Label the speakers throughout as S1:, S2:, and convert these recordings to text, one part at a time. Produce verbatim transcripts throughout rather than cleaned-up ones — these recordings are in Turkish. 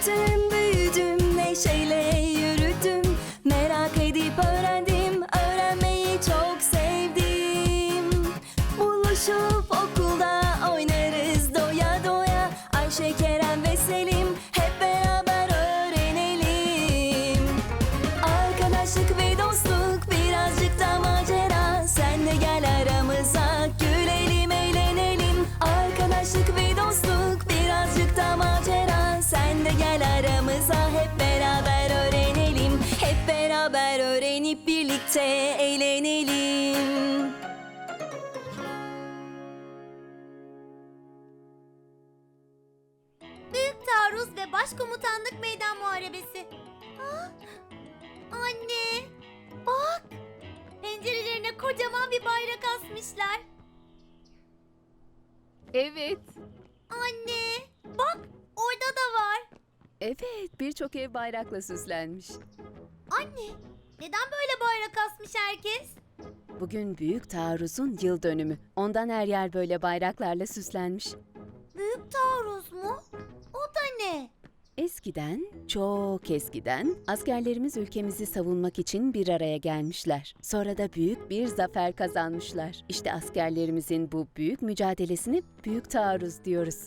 S1: Küçüktüm, büyüdüm, neşeyle yürüdüm. Merak edip öğrendim, öğrenmeyi çok sevdim. Buluşup okulda oynarız doya doya. Ayşe, Kerem ve Selim hep beraber öğrenelim. Arkadaşlık ve dostluk, birazcık da macera. Sen de gel aramıza, gülelim, eğlenelim. Arkadaşlık ve dostluk, birazcık da macera. Sen de gel aramıza, hep beraber öğrenelim. Hep beraber öğrenip birlikte eğlenelim.
S2: Büyük taarruz ve başkomutanlık meydan muharebesi. Ah, anne, bak. Pencerelerine kocaman bir bayrak asmışlar.
S3: Evet,
S2: Anne, bak orada da var.
S3: evet birçok ev bayrakla süslenmiş.
S2: Anne, neden böyle bayrak asmış herkes?
S3: Bugün Büyük Taarruz'un yıl dönümü. Ondan her yer böyle bayraklarla süslenmiş.
S2: Büyük taarruz mu? O da ne?
S3: Eskiden, çok eskiden askerlerimiz ülkemizi savunmak için bir araya gelmişler. Sonra da büyük bir zafer kazanmışlar. İşte askerlerimizin bu büyük mücadelesine Büyük Taarruz diyoruz.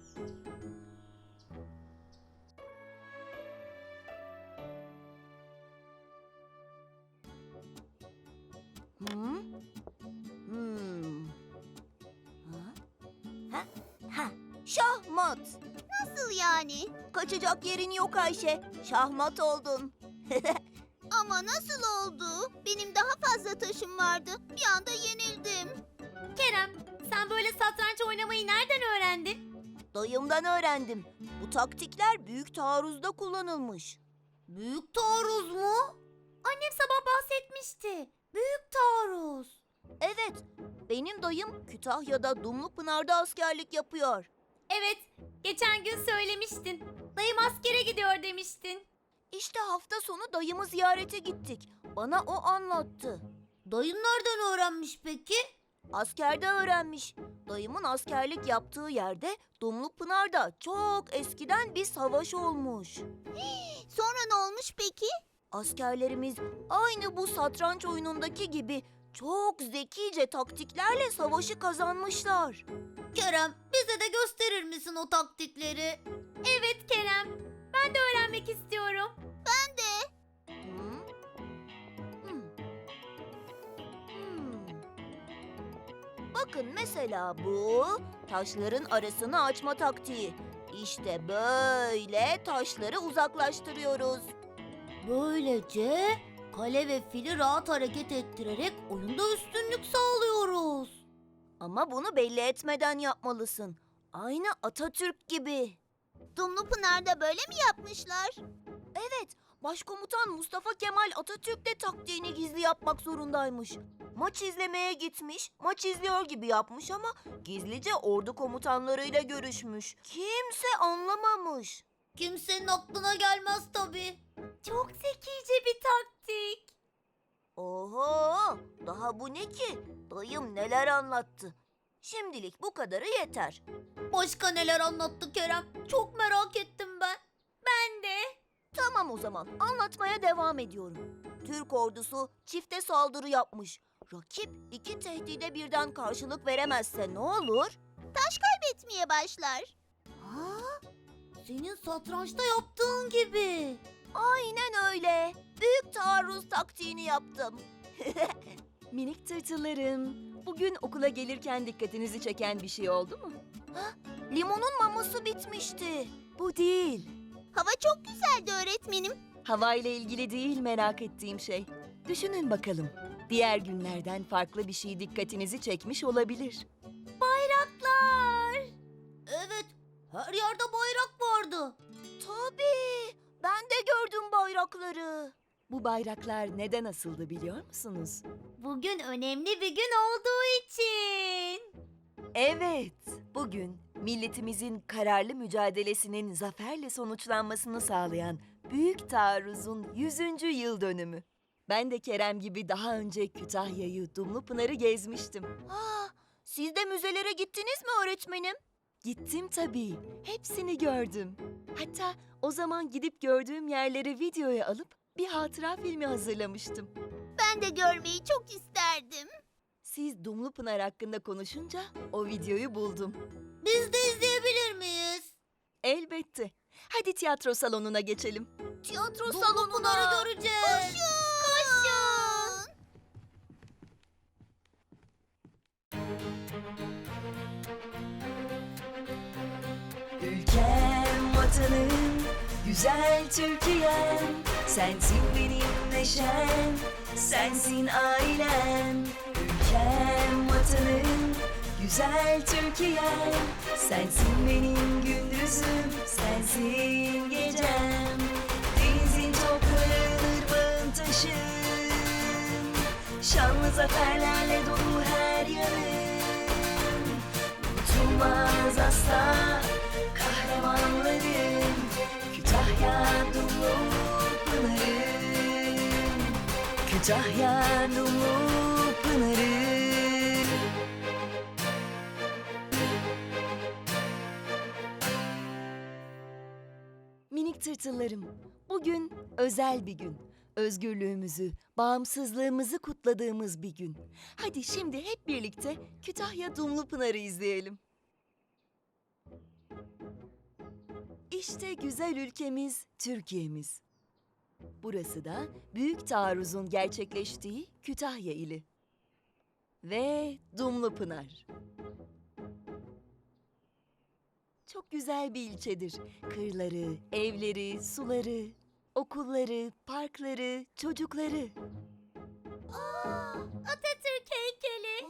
S4: Hmm. Hmm. Ha? Ha? Ha. Şahmat.
S2: Nasıl yani?
S4: Kaçacak yerin yok Ayşe. Şahmat oldun.
S2: Ama nasıl oldu? Benim daha fazla taşım vardı. Bir anda yenildim. Kerem, sen böyle satranç oynamayı nereden öğrendin?
S4: Dayımdan öğrendim. Bu taktikler büyük taarruzda kullanılmış.
S2: Büyük taarruz mu? Annem sabah bahsetmişti. Büyük taarruz.
S4: Evet, benim dayım Kütahya'da Dumlupınar'da askerlik yapıyor.
S2: Evet, geçen gün söylemiştin. Dayım askere gidiyor demiştin.
S4: İşte hafta sonu dayımı ziyarete gittik. Bana o anlattı.
S2: Dayın nereden öğrenmiş peki?
S4: Askerde öğrenmiş. Dayımın askerlik yaptığı yerde Dumlupınar'da çok eskiden bir savaş olmuş.
S2: Sonra ne olmuş peki?
S4: Askerlerimiz aynı bu satranç oyunundaki gibi çok zekice taktiklerle savaşı kazanmışlar.
S2: Kerem, bize de gösterir misin o taktikleri? Evet Kerem, ben de öğrenmek istiyorum. Ben de.
S4: Hmm. Hmm. Hmm. Bakın mesela bu taşların arasını açma taktiği. İşte böyle taşları uzaklaştırıyoruz.
S2: Böylece kale ve fili rahat hareket ettirerek oyunda üstünlük sağlıyoruz.
S4: Ama bunu belli etmeden yapmalısın. Aynı Atatürk gibi.
S2: Dumlupınar'da böyle mi yapmışlar?
S4: Evet, Başkomutan Mustafa Kemal Atatürk de taktiğini gizli yapmak zorundaymış. Maç izlemeye gitmiş, maç izliyor gibi yapmış ama gizlice ordu komutanlarıyla görüşmüş. Kimse anlamamış.
S2: Kimsenin aklına gelmez tabii. Çok zekice bir taktik.
S4: Oho, daha bu ne ki? Dayım neler anlattı. Şimdilik bu kadarı yeter.
S2: Başka neler anlattı Kerem? Çok merak ettim ben. Ben de.
S4: Tamam o zaman, anlatmaya devam ediyorum. Türk ordusu çifte saldırı yapmış. Rakip iki tehdide birden karşılık veremezse ne olur?
S2: Etmeye başlar. Ha? Senin satrançta yaptığın gibi.
S4: Aynen öyle. Büyük taarruz taktiğini yaptım.
S1: Minik tırtıllarım, bugün okula gelirken dikkatinizi çeken bir şey oldu mu?
S4: Limonun maması bitmişti.
S1: Bu değil.
S2: Hava çok güzeldi öğretmenim.
S1: Havayla ilgili değil merak ettiğim şey. Düşünün bakalım. Diğer günlerden farklı bir şey dikkatinizi çekmiş olabilir.
S2: Bayraklar. Evet, her yerde bayrak vardı.
S4: Tabii. Ben de gördüm bayrakları.
S1: Bu bayraklar neden asıldı biliyor musunuz?
S2: Bugün önemli bir gün olduğu için.
S1: Evet, bugün milletimizin kararlı mücadelesinin zaferle sonuçlanmasını sağlayan Büyük Taarruz'un yüzüncü yıl dönümü. Ben de Kerem gibi daha önce Kütahya'yı, Dumlupınar'ı gezmiştim.
S4: Ha, siz de müzelere gittiniz mi öğretmenim?
S1: Gittim tabii, hepsini gördüm. Hatta o zaman gidip gördüğüm yerleri videoya alıp bir hatıra filmi hazırlamıştım.
S2: Ben de görmeyi çok isterdim.
S1: Siz Dumlupınar hakkında konuşunca o videoyu buldum.
S2: Biz de izleyebilir miyiz?
S1: Elbette. Hadi tiyatro salonuna geçelim.
S2: Tiyatro salonuna göreceğiz. Koşun! Koşun!
S1: Ülkem, vatanım, güzel Türkiye'm. Sensin benim neşem, sensin ailem. Ülkem, vatanım, güzel Türkiye'm. Sensin benim gündüzüm, sensin gecem. Denizin toprağın, ırmağın taşın. Şanlı zaferlerle dolu her yanım. Unutulmaz asla kahramanlarım. Kütahya Dumlupınar'ım. Kütahya Dumlupınar'ım. Minik tırtıllarım, bugün özel bir gün. Özgürlüğümüzü, bağımsızlığımızı kutladığımız bir gün. Hadi şimdi hep birlikte Kütahya Dumlupınar'ı izleyelim. İşte güzel ülkemiz, Türkiye'miz. Burası da büyük taarruzun gerçekleştiği Kütahya ili. Ve Dumlupınar. Çok güzel bir ilçedir. Kırları, evleri, suları, okulları, parkları, çocukları.
S2: Atatürk heykeli.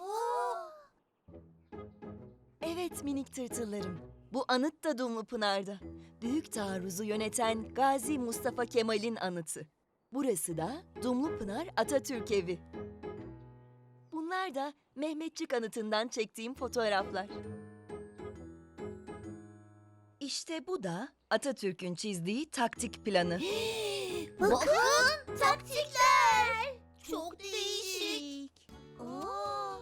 S1: Evet minik tırtıllarım. Bu anıt da Dumlupınar'da. Büyük taarruzu yöneten Gazi Mustafa Kemal'in anıtı. Burası da Dumlupınar Atatürk Evi. Bunlar da Mehmetçik anıtından çektiğim fotoğraflar. İşte bu da Atatürk'ün çizdiği taktik planı.
S2: Bakın taktikler. Çok değişik. Aa.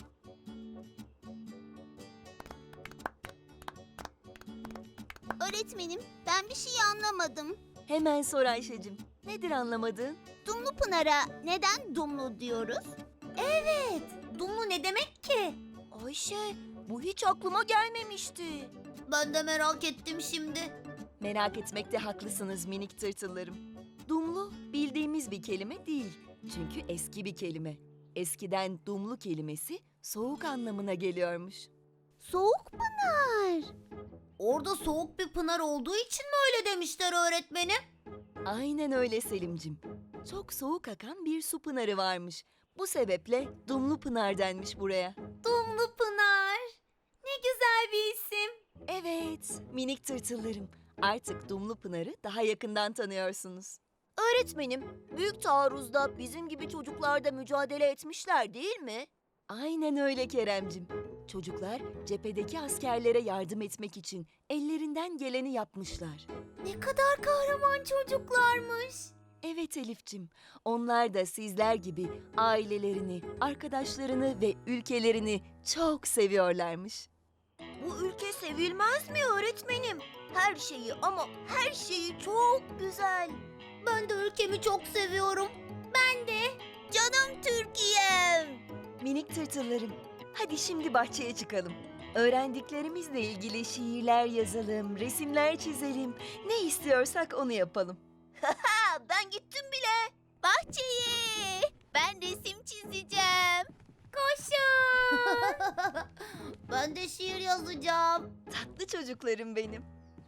S2: Öğretmenim, ben bir şey anlamadım.
S1: Hemen sor Ayşe'cim. Nedir anlamadığın?
S2: Dumlupınar'a neden Dumlu diyoruz? Evet, Dumlu ne demek ki?
S4: Ayşe, bu hiç aklıma gelmemişti.
S2: Ben de merak ettim şimdi.
S1: Merak etmekte haklısınız minik tırtıllarım. Dumlu bildiğimiz bir kelime değil. Çünkü eski bir kelime. Eskiden dumlu kelimesi soğuk anlamına geliyormuş.
S2: Soğuk pınar. Orada soğuk bir pınar olduğu için mi öyle demişler öğretmenim?
S1: Aynen öyle Selimcim. Çok soğuk akan bir su pınarı varmış. Bu sebeple Dumlu Pınar denmiş buraya.
S2: Dumlu Pınar. Ne güzel bir isim.
S1: Evet, minik tırtıllarım. Artık Dumlu Pınar'ı daha yakından tanıyorsunuz.
S4: Öğretmenim, büyük taarruzda bizim gibi çocuklar da mücadele etmişler değil mi?
S1: Aynen öyle Keremcim. Çocuklar cephedeki askerlere yardım etmek için ellerinden geleni yapmışlar.
S2: Ne kadar kahraman çocuklarmış.
S1: Evet Elif'cim, onlar da sizler gibi ailelerini, arkadaşlarını ve ülkelerini çok seviyorlarmış.
S4: Bu ülke sevilmez mi öğretmenim? Her şeyi ama her şeyi çok güzel.
S2: Ben de ülkemi çok seviyorum. Ben de. Canım Türkiye'm.
S1: Minik tırtıllarım, hadi şimdi bahçeye çıkalım. Öğrendiklerimizle ilgili şiirler yazalım, resimler çizelim. Ne istiyorsak onu yapalım.
S4: Ha, ben gittim bile.
S2: Bahçeye. Ben resim çizeceğim. Koşun. Ben de şiir yazacağım.
S1: Tatlı çocuklarım benim.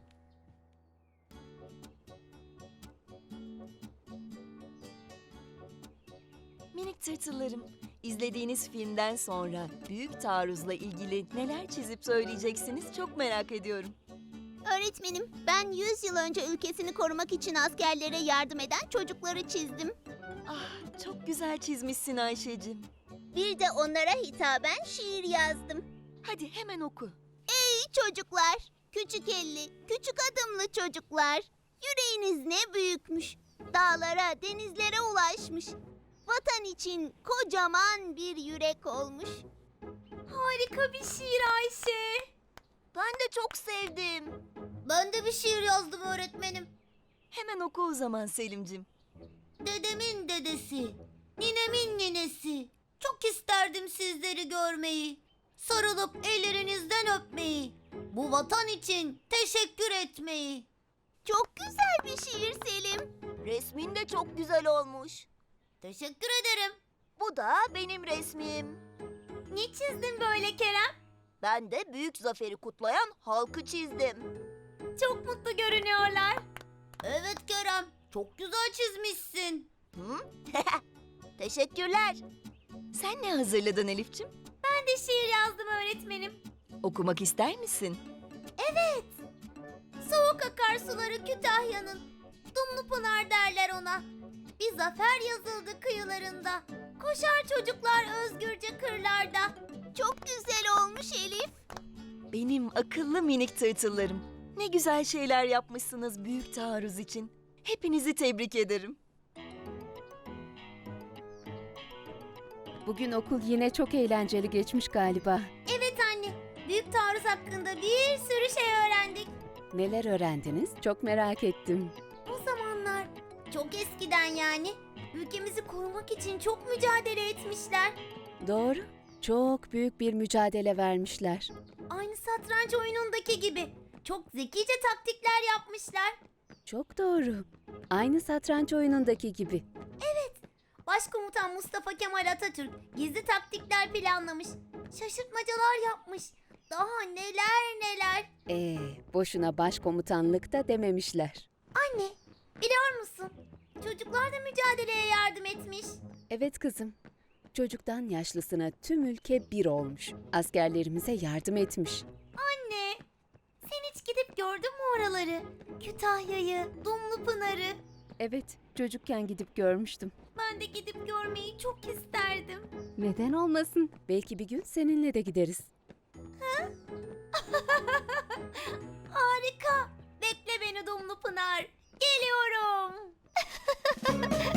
S1: Minik tırtıllarım, izlediğiniz filmden sonra büyük taarruzla ilgili neler çizip söyleyeceksiniz çok merak ediyorum.
S2: Öğretmenim, ben yüz yıl önce ülkesini korumak için askerlere yardım eden çocukları çizdim.
S1: Ah, çok güzel çizmişsin Ayşe'cim.
S2: Bir de onlara hitaben şiir yazdım.
S1: Hadi hemen oku.
S2: Ey çocuklar, küçük elli, küçük adımlı çocuklar. Yüreğiniz ne büyükmüş. Dağlara, denizlere ulaşmış. Vatan için kocaman bir yürek olmuş. Harika bir şiir Ayşe.
S4: Ben de çok sevdim.
S2: Ben de bir şiir yazdım öğretmenim.
S1: Hemen oku o zaman Selimcim.
S2: Dedemin dedesi, ninemin ninesi. Çok isterdim sizleri görmeyi. Sarılıp ellerinizden öpmeyi. Bu vatan için teşekkür etmeyi. Çok güzel bir şiir Selim.
S4: Resmin de çok güzel olmuş.
S2: Teşekkür ederim.
S4: Bu da benim resmim.
S2: Ne çizdin böyle Kerem?
S4: Ben de büyük zaferi kutlayan halkı çizdim.
S2: Çok mutlu görünüyorlar. Evet Kerem, çok güzel çizmişsin.
S4: Hı? Teşekkürler.
S1: Sen ne hazırladın Elif'ciğim?
S2: Ben de şiir yazdım öğretmenim.
S1: Okumak ister misin?
S2: Soğuk akarsuları Kütahya'nın. Dumlupınar derler ona. Bir zafer yazıldı kıyılarında. Koşar çocuklar özgürce kırlarda. Çok güzel olmuş Elif.
S1: Benim akıllı minik tırtıllarım. Ne güzel şeyler yapmışsınız büyük taarruz için. Hepinizi tebrik ederim.
S3: Bugün okul yine çok eğlenceli geçmiş galiba.
S2: Evet anne, büyük taarruz hakkında bir sürü şey öğrendik.
S3: Neler öğrendiniz? Çok merak ettim.
S2: O zamanlar, çok eskiden yani, ülkemizi korumak için çok mücadele etmişler.
S3: Doğru. Çok büyük bir mücadele vermişler.
S2: Aynı satranç oyunundaki gibi. Çok zekice taktikler yapmışlar.
S3: Çok doğru. Aynı satranç oyunundaki gibi.
S2: Başkomutan Mustafa Kemal Atatürk gizli taktikler planlamış. Şaşırtmacalar yapmış. Daha neler neler.
S3: Ee, boşuna başkomutanlık da dememişler.
S2: Anne, biliyor musun? Çocuklar da mücadeleye yardım etmiş.
S3: Evet kızım. Çocuktan yaşlısına tüm ülke bir olmuş. Askerlerimize yardım etmiş.
S2: Anne, sen hiç gidip gördün mü oraları? Kütahya'yı, Dumlupınar'ı.
S3: Evet, çocukken gidip görmüştüm.
S2: Ben de gidip görmeyi çok isterdim.
S3: Neden olmasın? Belki bir gün seninle de gideriz.
S2: Harika. Bekle beni Dumlupınar. Geliyorum.